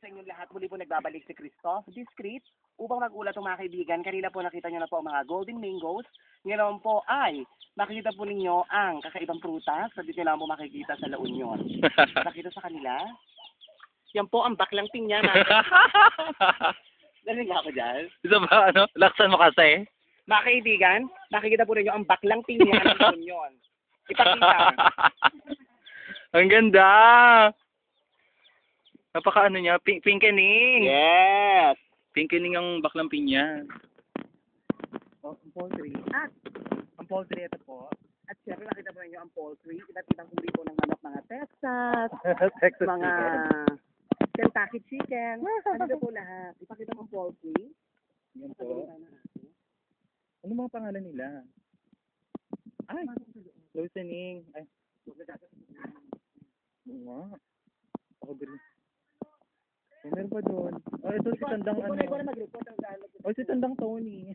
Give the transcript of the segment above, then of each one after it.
sa inyong lahat. Muli po nagbabalik si Christoph Discreet upang mag-ulat ng mga kaibigan. Kanina po nakita nyo na po ang mga golden mangoes. Ngayon po ay makikita po ninyo ang kakaibang prutas na dito lang po makikita sa La Union. Nakita sa kanila? Yan po ang baklang pinya. Narinig ako dyan. Isa ba, ano? Laksan mo kasi. Mga kaibigan, nakikita po ninyo ang baklang pinya ng La Union. Ipakita. Ang ganda! Napaka ano niya, pinkening. Yes! Pinkening ang baklang pinya. Oh, ang poultry. At, ang poultry ito po. At syempre nakita po ninyo ang poultry. Iba't ibang uri po ng manok, mga Texas, Texas mga chicken. Kentucky chicken. Ano po lahat. Ipakita mo ang poultry. Yan po. Ano mga pangalan nila? Ay, loosening. Ay, oo nga. Ako din. Oh, meron pa doon. Oh, ito si Tandang ano. Oh, si Tandang Tony.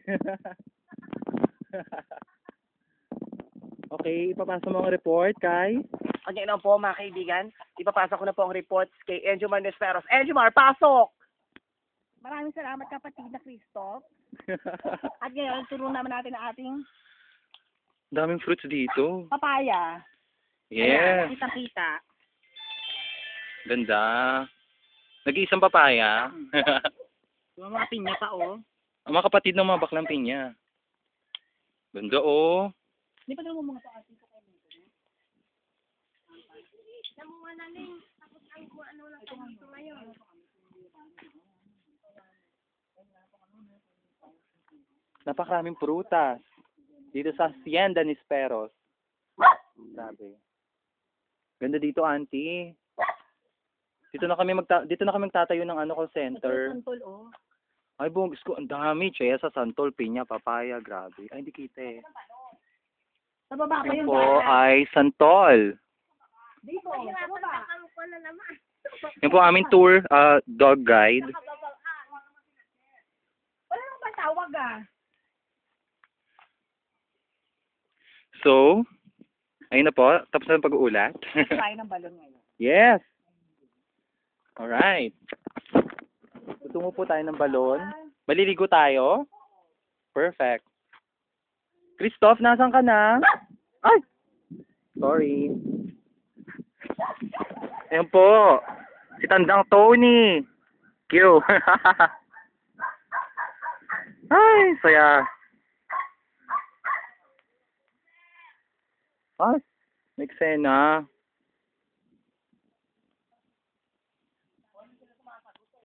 Okay, ipapasa mo ang report kay... Okay na po mga kaibigan. Ipapasa ko na po ang reports kay Enjumar Nesperos. Enjumar, pasok! Maraming salamat kapatid na Christoph. At ngayon, turo naman natin ang ating Daming fruits dito. papaya. Yeah. Kita-kita. Ganda. Nag-iisang papaya. Yung mga pinya pa, oh. Ang mga kapatid ng mga baklang pinya. Ganda, oh. Hindi pa naman mga paasin ko kayo dito. Napakaraming prutas. Dito sa Hacienda Nisperos. Grabe. Ganda dito, auntie. Dito na kami magtatayo ng call center. Santol, oh. Ay, bongis ko. Ang dami. Cheya sa Santol, Piña, Papaya. Grabe. Ay, hindi kita eh. Sa baba pa Yan yung po daan. ay Santol. Dito, sa baba. Yan po aming tour, dog guide. Wala nang patawag, ah. So, ayun na po. Tapos na ang pag-uulat. Try ng balon ngayon. Yes. Alright. Tutungo po tayo ng balon. Maliligo tayo. Perfect. Christoph, nasan ka na? Ay! Sorry. Ayan po. Si Tandang Tony. Q. Ay, saya. Ay, may eksena.